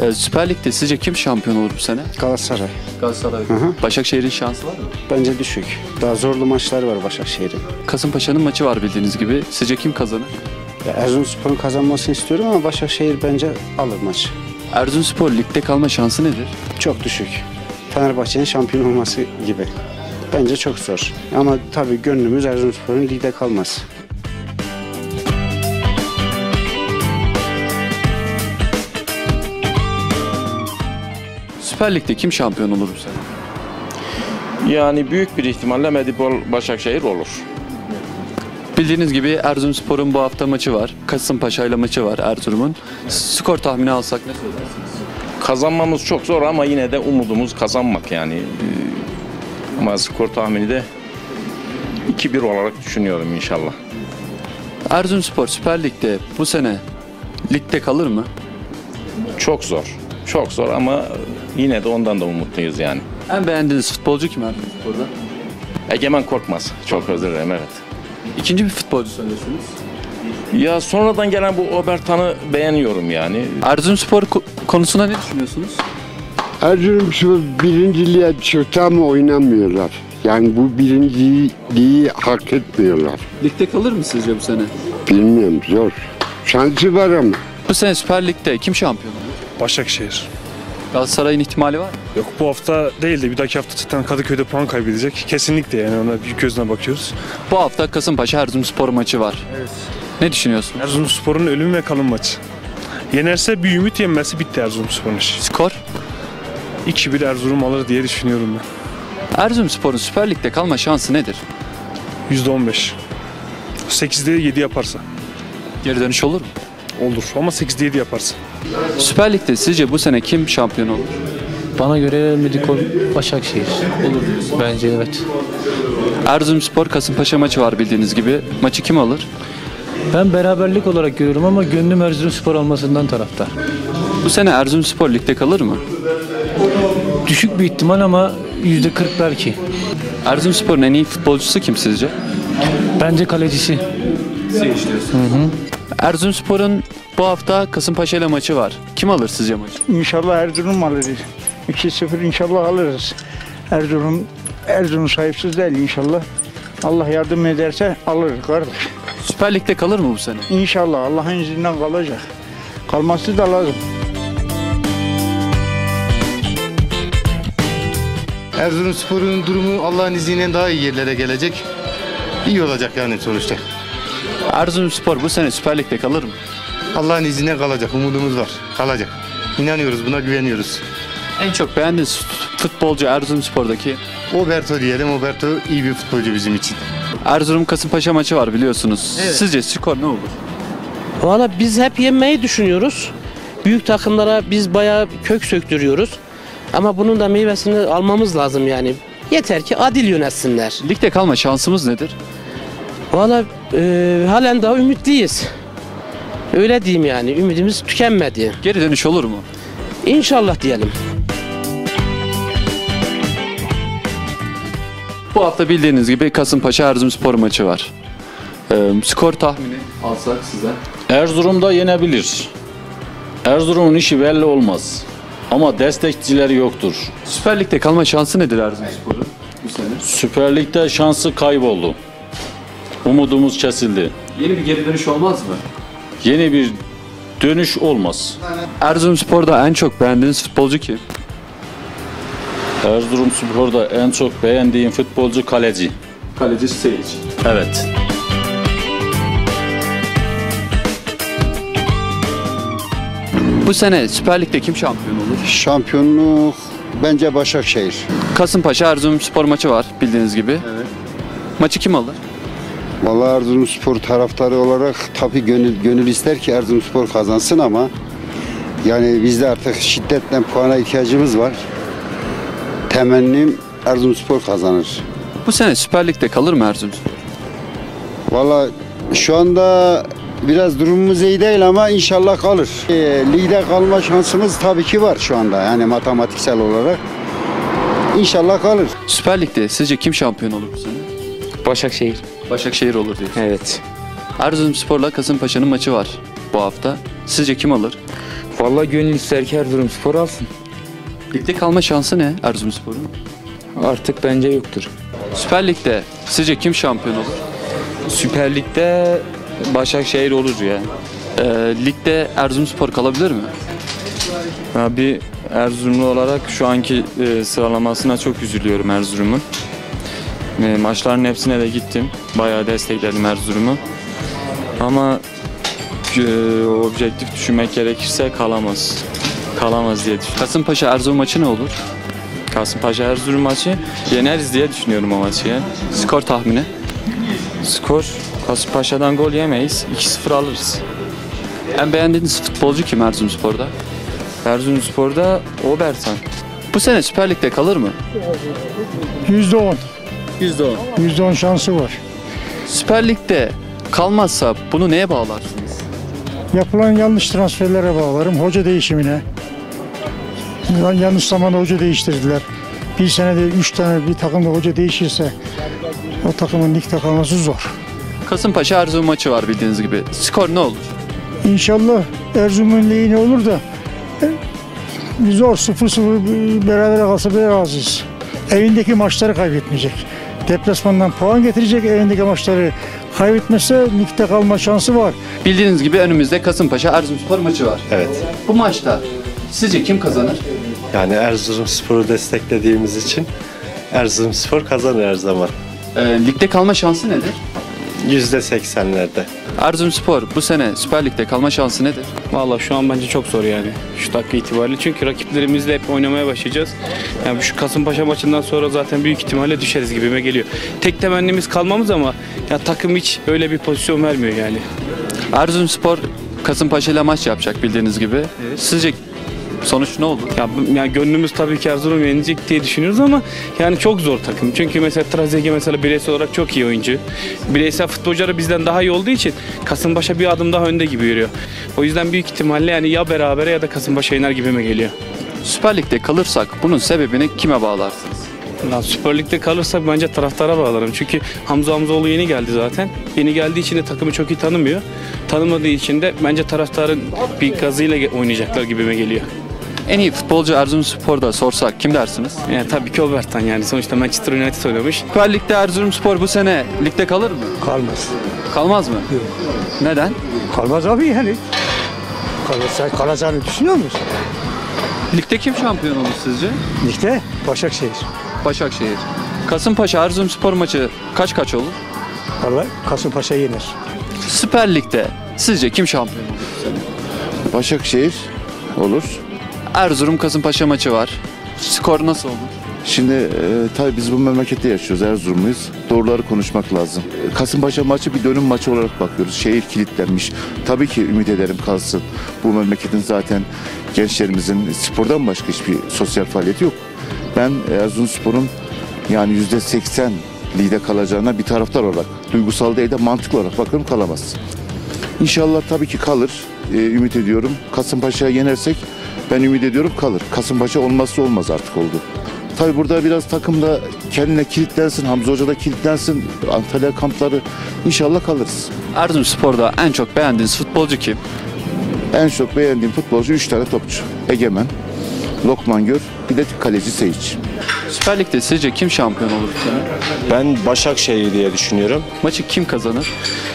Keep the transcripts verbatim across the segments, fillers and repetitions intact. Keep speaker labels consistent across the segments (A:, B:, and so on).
A: Ee, Süper Lig'de sizce kim şampiyon olur bu sene?
B: Galatasaray.
A: Galatasaray.
B: Hı hı.
A: Başakşehir'in şansı var mı?
B: Bence düşük. Daha zorlu maçları var Başakşehir'in.
A: Kasımpaşa'nın maçı var bildiğiniz gibi. Sizce kim kazanır?
B: Ya Erzurumspor'un kazanmasını istiyorum ama Başakşehir bence alır maçı.
A: Erzurumspor ligde kalma şansı nedir?
B: Çok düşük. Fenerbahçe'nin şampiyon olması gibi. Bence çok zor. Ama tabii gönlümüz Erzurumspor'un ligde kalması.
A: Süper Lig'de kim şampiyon olur bu sene?
C: Yani büyük bir ihtimalle Medipol Başakşehir olur.
A: Bildiğiniz gibi Erzurumspor'un bu hafta maçı var. Kasımpaşa ile maçı var Erzurum'un. Skor tahmini alsak ne söylersiniz?
C: Kazanmamız çok zor ama yine de umudumuz kazanmak yani. Ee, Ama skor tahmini de iki bir olarak düşünüyorum inşallah.
A: Erzurumspor Süper Lig'de bu sene ligde kalır mı?
C: Çok zor. Çok zor ama yine de ondan da umutluyuz yani.
A: En beğendiğiniz futbolcu kim Erzurumspor'da?
C: Egemen Korkmaz. Çok özür dilerim, evet.
A: İkinci bir futbolcu söylesiniz.
C: Ya sonradan gelen bu Obertan'ı beğeniyorum yani.
A: Erzurumspor ko- konusunda ne düşünüyorsunuz?
D: Erzurumspor birinciliğe çıktı ama oynamıyorlar. Yani bu birinciliği hak etmiyorlar.
A: Ligde kalır mı sizce bu sene?
D: Bilmiyorum, zor. Şansı var ama.
A: Bu sene Süper Lig'de kim şampiyon olur?
E: Başakşehir.
A: Galatasaray'ın ihtimali var mı?
E: Yok, bu hafta değil de bir dahaki hafta zaten Kadıköy'de puan kaybedecek. Kesinlikle yani ona bir gözüne bakıyoruz.
A: Bu hafta Kasımpaşa Erzurumspor maçı var.
E: Evet.
A: Ne düşünüyorsun?
E: Erzurumspor'un ölüm ve kalım maçı. Yenerse bir ümit, yenmezse bitti Erzurumspor'un işi.
A: Skor?
E: iki bir Erzurum alır diye düşünüyorum ben.
A: Erzurumspor'un Süper Lig'de kalma şansı nedir?
E: yüzde on beş. sekizde yedi yaparsa.
A: Geri dönüş olur mu?
E: Olur ama sekizde yedi yaparsa.
A: Süper Lig'de sizce bu sene kim şampiyon olur?
F: Bana göre Medipol Başakşehir. Olur diyorsun. Bence evet.
A: Erzurumspor Kasımpaşa maçı var bildiğiniz gibi. Maçı kim alır?
F: Ben beraberlik olarak görüyorum ama gönlüm Erzurumspor almasından taraftar.
A: Bu sene Erzurumspor ligde kalır mı?
F: Düşük bir ihtimal ama yüzde kırk belki.
A: Erzurumspor'un en iyi futbolcusu kim sizce?
F: Bence kalecisi.
A: Erzurumspor'un bu hafta Kasımpaşa ile maçı var. Kim alır sizce maçı?
G: İnşallah Erzurum alırız. iki sıfır inşallah alırız. Erzurum Erzurum sahipsiz değil inşallah. Allah yardım ederse alırız kardeş.
A: Süper Lig'de kalır mı bu sene?
G: İnşallah Allah'ın izniyle kalacak. Kalması da lazım.
H: Erzurumspor'un durumu Allah'ın izniyle daha iyi yerlere gelecek. İyi olacak yani sonuçta.
A: Erzurumspor bu sene Süper Lig'de kalır mı?
H: Allah'ın izniyle kalacak. Umudumuz var. Kalacak. İnanıyoruz, buna güveniyoruz.
A: En çok beğendiğiniz futbolcu Erzurumspor'daki?
H: Oberto diyelim. Oberto iyi bir futbolcu bizim için.
A: Erzurum Kasımpaşa maçı var biliyorsunuz.
I: Evet.
A: Sizce skor ne olur?
I: Valla biz hep yenmeyi düşünüyoruz. Büyük takımlara biz bayağı kök söktürüyoruz. Ama bunun da meyvesini almamız lazım yani. Yeter ki adil yönetsinler.
A: Ligde kalma şansımız nedir?
I: Valla e, halen daha ümitliyiz. Öyle diyeyim yani. Ümidimiz tükenmedi.
A: Geri dönüş olur mu?
I: İnşallah diyelim.
A: Bu hafta bildiğiniz gibi Kasımpaşa Erzurumspor maçı var. Ee, skor tahmini alsak size.
J: Erzurum'da yenebilir. Erzurum'un işi belli olmaz. Ama destekçileri yoktur.
A: Süper Lig'de kalma şansı nedir Erzurumspor'un bu sene?
J: Süper Lig'de şansı kayboldu. Umudumuz kesildi.
A: Yeni bir geri dönüş olmaz mı?
J: Yeni bir dönüş olmaz.
A: Erzurumspor'da en çok beğendiğiniz futbolcu kim?
J: Erzurumspor'da en çok beğendiğim futbolcu kaleci.
A: Kaleci Seyit.
J: Evet.
A: Bu sene Süper Lig'de kim şampiyon olur?
D: Şampiyonluk bence Başakşehir.
A: Kasımpaşa Erzurumspor maçı var bildiğiniz gibi.
D: Evet.
A: Maçı kim alır?
D: Vallahi Erzurumspor taraftarı olarak tabii gönül, gönül ister ki Erzurumspor kazansın ama yani bizde artık şiddetle puana ihtiyacımız var. Temennim Erzurumspor kazanır.
A: Bu sene Süper Lig'de kalır mı Erzurumspor?
D: Vallahi şu anda biraz durumumuz iyi değil ama inşallah kalır. E, ligde kalma şansımız tabii ki var şu anda yani matematiksel olarak. İnşallah kalır.
A: Süper Lig'de sizce kim şampiyon olur bu sene?
F: Başakşehir.
A: Başakşehir olur diyorsun.
F: Evet.
A: Erzurumspor'la Kasımpaşa'nın maçı var bu hafta. Sizce kim alır?
K: Vallahi gönül ister ki Erzurumspor alsın.
A: Ligde kalma şansı ne Erzurumspor'un?
K: Artık bence yoktur.
A: Süper Lig'de sizce kim şampiyon olur?
K: Süper Lig'de Başakşehir olur ya.
A: Ee, ligde Erzurumspor kalabilir mi?
L: Bir Erzurumlu olarak şu anki e, sıralamasına çok üzülüyorum Erzurum'un. E, maçların hepsine de gittim. Bayağı destekledim Erzurum'u. Ama e, objektif düşünmek gerekirse kalamaz. Kalamaz diye düşünüyorum.
A: Kasımpaşa Erzurum maçı ne olur?
L: Kasımpaşa Erzurum maçı yeneriz diye düşünüyorum o maçı ya.
A: Skor tahmini?
L: Skor Kasımpaşa'dan gol yemeyiz. iki sıfır alırız.
A: En beğendiğiniz futbolcu kim Erzurumspor'da?
L: Erzurumspor'da Obertan.
A: Bu sene Süper Lig'de kalır mı?
G: yüzde on.
A: yüzde on.
G: yüzde on şansı var.
A: Süper Lig'de kalmazsa bunu neye bağlarsınız?
G: Yapılan yanlış transferlere bağlarım. Hoca değişimine. Yanlış zamanda hoca değiştirdiler. Bir senede üç tane bir takımda hoca değişirse o takımın ligde kalması zor.
A: Kasımpaşa Erzurum maçı var bildiğiniz gibi. Skor ne olur?
G: İnşallah Erzurum'un lehine olur da e, zor sıfır sıfır beraber kalsa bile razıyız. Evindeki maçları kaybetmeyecek. Deplasmandan puan getirecek, evindeki maçları kaybetmezse ligde kalma şansı var.
A: Bildiğiniz gibi önümüzde Kasımpaşa Erzurumspor maçı var.
M: Evet.
A: Bu maçta sizce kim kazanır?
M: Yani Erzurumspor'u desteklediğimiz için Erzurumspor kazanır her zaman.
A: Ee, ligde kalma şansı nedir?
M: yüzde seksenlerde.
A: Erzurumspor bu sene Süper Lig'de kalma şansı nedir?
N: Vallahi şu an bence çok zor yani şu dakika itibariyle. Çünkü rakiplerimizle hep oynamaya başlayacağız. Yani şu Kasımpaşa maçından sonra zaten büyük ihtimalle düşeriz gibime geliyor. Tek temennimiz kalmamız ama ya takım hiç öyle bir pozisyon vermiyor yani.
A: Erzurumspor Kasımpaşa ile maç yapacak bildiğiniz gibi. Evet. Sizce sonuç ne olur?
N: Ya yani gönlümüz tabii ki Erzurum yenilecek diye düşünüyoruz ama yani çok zor takım. Çünkü mesela Trezeguet mesela bireysel olarak çok iyi oyuncu. Bireysel futbolcuları bizden daha iyi olduğu için Kasımpaşa bir adım daha önde gibi yürüyor. O yüzden büyük ihtimalle yani ya berabere ya da Kasımpaşa yener gibime geliyor.
A: Süper Lig'de kalırsak bunun sebebini kime bağlarsınız?
N: Ya Süper Lig'de kalırsak bence taraftara bağlarım. Çünkü Hamza Hamzoğlu yeni geldi zaten. Yeni geldiği için de takımı çok iyi tanımıyor. Tanımadığı için de bence taraftarın bir gazıyla oynayacaklar gibime geliyor.
A: En iyi futbolcu Erzurumspor'da sorsak kim dersiniz?
N: Yani tabii ki Obertan yani. Sonuçta Manchester United oynamış.
A: Süper Lig'de Erzurumspor bu sene ligde kalır mı?
G: Kalmaz.
A: Kalmaz mı?
G: Yok.
A: Neden?
G: Kalmaz abi yani. Kalırsa kalacağını düşünüyor musun?
A: Ligde kim şampiyon olur sizce?
G: Ligde Başakşehir.
A: Başakşehir. Kasımpaşa Erzurumspor maçı kaç kaç olur?
G: Vallahi Kasımpaşa yener.
A: Süper Lig'de sizce kim şampiyon olur bu sene?
O: Başakşehir olur.
A: Erzurum Kasımpaşa maçı var. Skor nasıl olur?
O: Şimdi e, tabii biz bu memlekette yaşıyoruz, Erzurumluyuz. Doğruları konuşmak lazım. Kasımpaşa maçı bir dönüm maçı olarak bakıyoruz. Şehir kilitlenmiş. Tabii ki ümit ederim kalsın. Bu memleketin zaten gençlerimizin spordan başka hiçbir sosyal faaliyeti yok. Ben Erzurumspor'un yani yüzde seksen ligde kalacağına bir taraftar olarak, duygusal değil de mantıklı olarak bakıyorum kalamaz. İnşallah tabii ki kalır. E, ümit ediyorum. Kasımpaşa'yı yenersek ben ümit ediyorum kalır. Kasımpaşa olmazsa olmaz artık oldu. Tabii burada biraz takım da kendine kilitlensin, Hamza Hoca da kilitlensin, Antalya kampları inşallah kalırız.
A: Erzurumspor'da en çok beğendiğiniz futbolcu kim?
O: En çok beğendiğim futbolcu üç tane topçu. Egemen, Lokman Gör, bir de kaleci Seyic.
A: Süper Lig'de sizce kim şampiyon olur bu sene?
P: Ben Başakşehir diye düşünüyorum.
A: Maçı kim kazanır?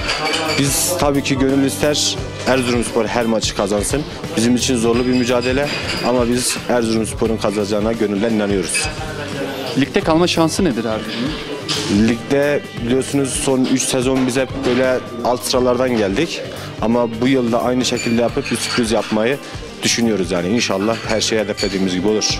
P: Biz tabii ki gönül ister Erzurumspor her maçı kazansın. Bizim için zorlu bir mücadele ama biz Erzurumspor'un kazanacağına gönülden inanıyoruz.
A: Ligde kalma şansı nedir Erzurum'un?
P: Ligde biliyorsunuz son üç sezon biz hep böyle alt sıralardan geldik. Ama bu yılda aynı şekilde yapıp bir sürpriz yapmayı düşünüyoruz yani. İnşallah her şey hedeflediğimiz gibi olur.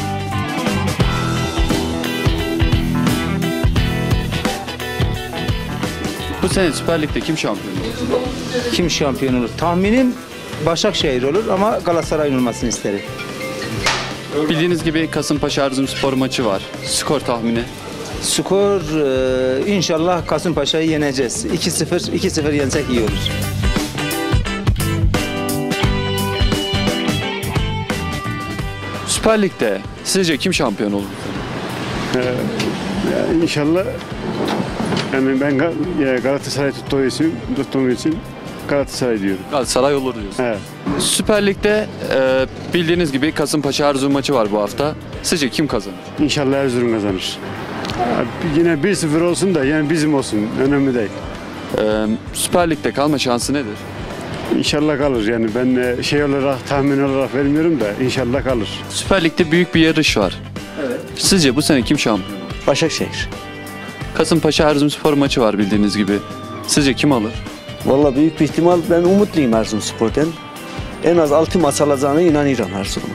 A: Bu sene Süper Lig'de kim şampiyon olur?
K: Kim şampiyon olur? Tahminim Başakşehir olur ama Galatasaray'ın olmasını isterim.
A: Bildiğiniz gibi Kasımpaşa Erzurumspor maçı var. Skor tahmini?
K: Skor e, inşallah Kasımpaşa'yı yeneceğiz. iki sıfır iki sıfır yensek iyi olur.
A: Süper Lig'de sizce kim şampiyon olur?
Q: Ee, inşallah yani ben Galatasaray tuttuğu için, tuttuğum için Galatasaray diyorum.
A: Galatasaray olur diyorsun.
Q: Evet.
A: Süper Lig'de e, bildiğiniz gibi Kasımpaşa Erzurum maçı var bu hafta. Sizce kim kazanır?
Q: İnşallah Erzurum kazanır. Yine bir sıfır olsun da yani bizim olsun. Önemli değil.
A: E, Süper Lig'de kalma şansı nedir?
Q: İnşallah kalır yani ben e, şey olarak tahmin olarak vermiyorum da inşallah kalır.
A: Süper Lig'de büyük bir yarış var.
R: Evet.
A: Sizce bu sene kim şampiyon?
R: Başakşehir.
A: Kasımpaşa Erzurumspor maçı var bildiğiniz gibi. Sizce kim alır?
R: Vallahi büyük bir ihtimal ben umutluyum Erzurumspor'dan. En az altı maç alacağına inanıyorum Erzurum'a.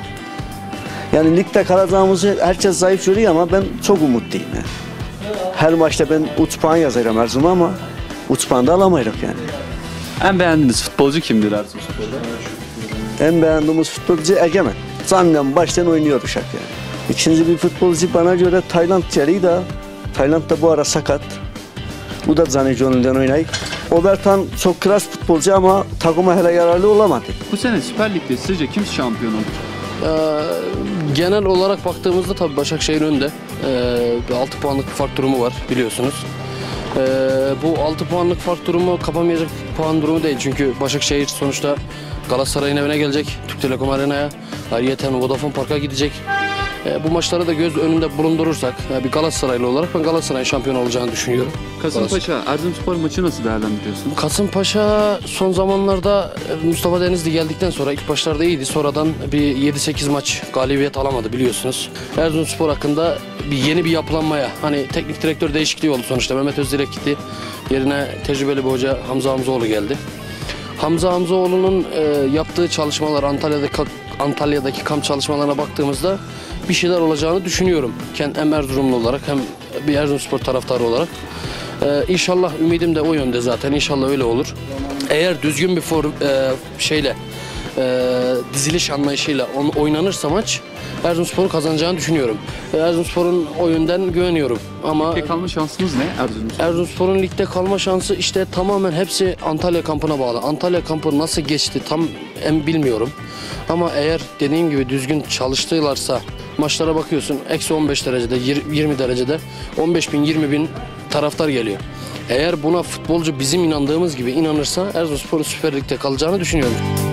R: Yani ligde kalacağımızı herkes zayıf söylüyor ama ben çok umutluyum yani. Her maçta ben uç puan yazarım Erzurum'a ama uç puan da alamayız yani.
A: En beğendiğiniz futbolcu kimdir Erzurumspor'da?
R: En beğendiğimiz futbolcu Egemen. Zannem baştan oynuyor uşak yani. İkinci bir futbolcu bana göre Tayland Jerry da. Tayland da bu ara sakat. Bu da zannediyorumdan oynayıp. Obertan çok klas futbolcu ama takıma hele yararlı olamadı.
A: Bu sene Süper Lig'de sizce kim şampiyon olur?
S: Ee, genel olarak baktığımızda tabii Başakşehir önde. Ee, altı puanlık bir fark durumu var biliyorsunuz. Ee, bu altı puanlık fark durumu kapamayacak puan durumu değil. Çünkü Başakşehir sonuçta Galatasaray'ın evine gelecek. Türk Telekom Arena'ya. Ayrıyeten Vodafone Park'a gidecek. Ee, bu maçları da göz önünde bulundurursak yani bir Galatasaraylı olarak ben Galatasaray'ın şampiyon olacağını düşünüyorum.
A: Kasımpaşa Erzurumspor maçı nasıl değerlendiriyorsun?
S: Kasımpaşa son zamanlarda Mustafa Denizli geldikten sonra ilk başlarda iyiydi. Sonradan bir yedi sekiz maç galibiyet alamadı biliyorsunuz. Erzurumspor hakkında bir yeni bir yapılanmaya hani teknik direktör değişikliği oldu sonuçta. Mehmet Özdirek gitti. Yerine tecrübeli bir hoca Hamza Hamzoğlu geldi. Hamza Hamzoğlu'nun e, yaptığı çalışmalar Antalya'daki Antalya'daki kamp çalışmalarına baktığımızda bir şeyler olacağını düşünüyorum. Hem Erzurumlu olarak hem bir Erzurumspor taraftarı olarak. Ee, inşallah ümidim de o yönde zaten. İnşallah öyle olur. Eğer düzgün bir for, e, şeyle e, diziliş anlayışıyla on, oynanırsa maç Erzurumspor'un kazanacağını düşünüyorum. Erzurumspor'un oyundan güveniyorum. Ama
A: ligde kalma şansınız ne Erzurumspor?
S: Erzurumspor'un ligde kalma şansı işte tamamen hepsi Antalya kampına bağlı. Antalya kampı nasıl geçti tam en bilmiyorum. Ama eğer dediğim gibi düzgün çalıştılarsa maçlara bakıyorsun eksi on beş derecede yirmi derecede on beş bin yirmi bin taraftar geliyor. Eğer buna futbolcu bizim inandığımız gibi inanırsa Erzurumspor'un Süper Lig'de kalacağını düşünüyorum.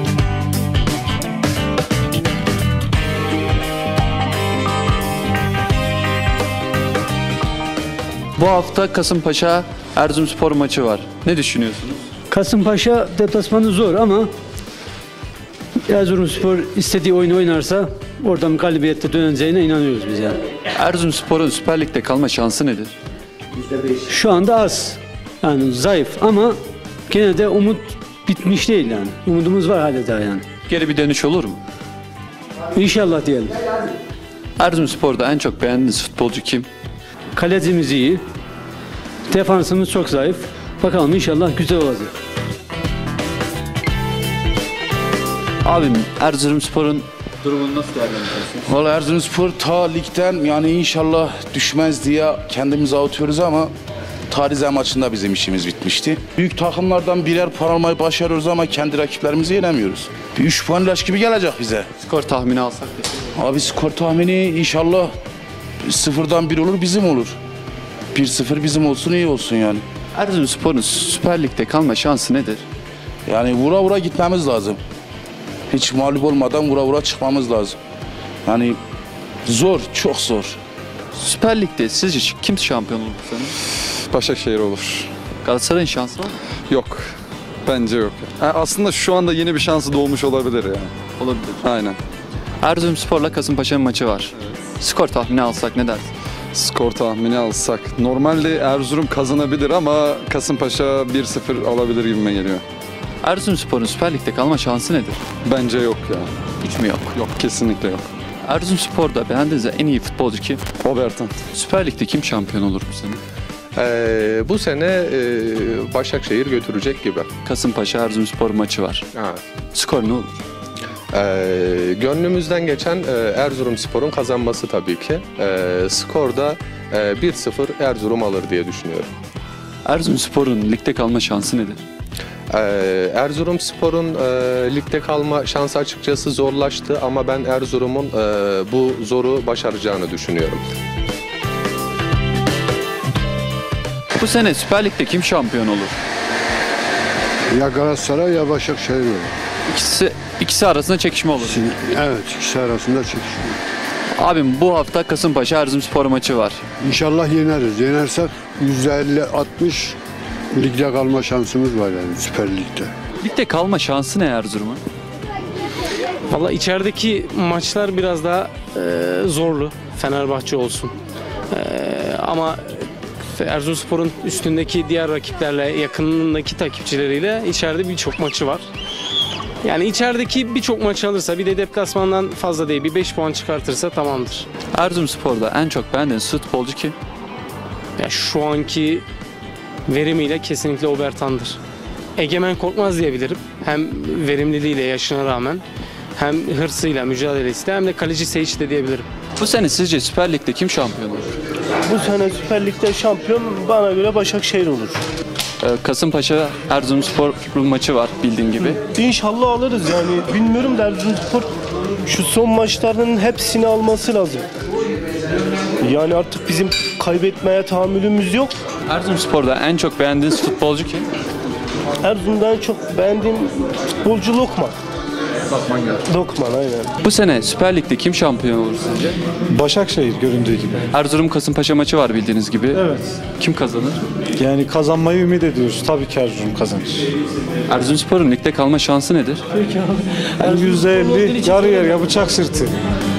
A: Bu hafta Kasımpaşa Erzurumspor maçı var. Ne düşünüyorsunuz?
F: Kasımpaşa deplasmanı zor ama Erzurumspor istediği oyunu oynarsa oradan galibiyette döneceğine inanıyoruz biz yani.
A: Erzurumspor'un Süper Lig'de kalma şansı nedir?
F: Şu anda az. Yani zayıf ama gene de umut bitmiş değil yani. Umudumuz var hala daha yani.
A: Geri bir dönüş olur mu?
F: İnşallah diyelim.
A: Erzurumspor'da en çok beğendiğiniz futbolcu kim?
F: Kalecimiz iyi. Defansımız çok zayıf. Bakalım inşallah güzel olacak.
A: Abim Erzurumspor'un durumunu nasıl değerlendiriyorsunuz?
T: Valla Erzurumspor ta ligden yani inşallah düşmez diye kendimizi avutuyoruz ama Tarize maçında bizim işimiz bitmişti. Büyük takımlardan birer puan almayı başarıyoruz ama kendi rakiplerimizi yenemiyoruz. Bir üç puan ilaç gibi gelecek bize.
A: Skor tahmini alsak da.
T: Abi skor tahmini inşallah sıfırdan bir olur bizim olur. bir sıfır bizim olsun iyi olsun yani.
A: Erzurumspor'un Süper Lig'de kalma şansı nedir?
T: Yani vura vura gitmemiz lazım. Hiç mağlup olmadan vura vura çıkmamız lazım. Yani zor, çok zor.
A: Süper Lig'de sizce kim şampiyon olur bu sene?
U: Başakşehir olur.
A: Galatasaray'ın şansı var mı?
U: Yok. Bence yok. Yani aslında şu anda yeni bir şansı doğmuş olabilir yani.
A: Olabilir.
U: Aynen.
A: Erzurumspor'la Kasımpaşa'nın maçı var. Evet. Skor tahmini alsak ne dersin?
U: Skor tahmini alsak. Normalde Erzurum kazanabilir ama Kasımpaşa bir sıfır alabilir gibime geliyor.
A: Erzurumspor'un Süper Lig'de kalma şansı nedir?
U: Bence yok ya.
A: Hiç mi yok?
U: Yok, kesinlikle yok.
A: Erzurumspor'da beğendiğiniz en iyi futbolcu kim?
U: Obertan.
A: Süper Lig'de kim şampiyon olur bu sene?
V: Ee, bu sene e, Başakşehir götürecek gibi.
A: Kasımpaşa Erzurumspor maçı var.
V: Evet.
A: Skor ne olur?
V: Ee, gönlümüzden geçen e, Erzurumspor'un kazanması tabii ki. E, skorda e, bir sıfır Erzurum alır diye düşünüyorum.
A: Erzurumspor'un ligde kalma şansı nedir?
V: Ee, Erzurumspor'un e, ligde kalma şansı açıkçası zorlaştı ama ben Erzurum'un e, bu zoru başaracağını düşünüyorum.
A: Bu sene Süper Lig'de kim şampiyon olur?
Q: Ya Galatasaray ya Başakşehir olur.
A: İkisi, ikisi arasında çekişme olur.
Q: Evet, ikisi arasında çekişme.
A: Abim bu hafta Kasımpaşa Erzurumspor maçı var.
Q: İnşallah yeneriz. Yenersek yüzde elli altmış ligde kalma şansımız var yani Süper Lig'de.
A: Ligde kalma şansı ne Erzurum'un?
B: Valla içerideki maçlar biraz daha e, zorlu. Fenerbahçe olsun. E, ama Erzurumspor'un üstündeki diğer rakiplerle, yakınındaki takipçileriyle içeride birçok maçı var. Yani içerideki birçok maç alırsa, bir de deplasmandan fazla değil, bir beş puan çıkartırsa tamamdır.
A: Erzurumspor'da en çok beğendiğiniz futbolcu kim?
B: Ya şu anki verimiyle kesinlikle Obertan'dır. Egemen Korkmaz diyebilirim. Hem verimliliğiyle yaşına rağmen, hem hırsıyla, mücadelesiyle, hem de kaleci Seyic de diyebilirim.
A: Bu sene sizce Süper Lig'de kim şampiyon olur?
C: Bu sene Süper Lig'de şampiyon bana göre Başakşehir olur.
A: Kasımpaşa Erzurumspor maçı var bildiğin gibi.
C: İnşallah alırız yani. Bilmiyorum da Erzurumspor şu son maçlarının hepsini alması lazım. Yani artık bizim kaybetmeye tahammülümüz yok.
A: Erzurumspor'da en çok beğendiğiniz futbolcu kim?
C: Erzurum'da en çok beğendiğim futbolcu Lokman.
A: Lokman geldi.
C: Lokman aynen.
A: Bu sene Süper Lig'de kim şampiyon olur sizce?
W: Başakşehir göründüğü gibi.
A: Erzurum Kasımpaşa maçı var bildiğiniz gibi.
W: Evet.
A: Kim kazanır?
W: Yani kazanmayı ümit ediyoruz. Tabii ki Erzurum kazanır.
A: Erzurumspor'un ligde kalma şansı nedir?
W: yüzde elli yarı yarıya bıçak sırtı.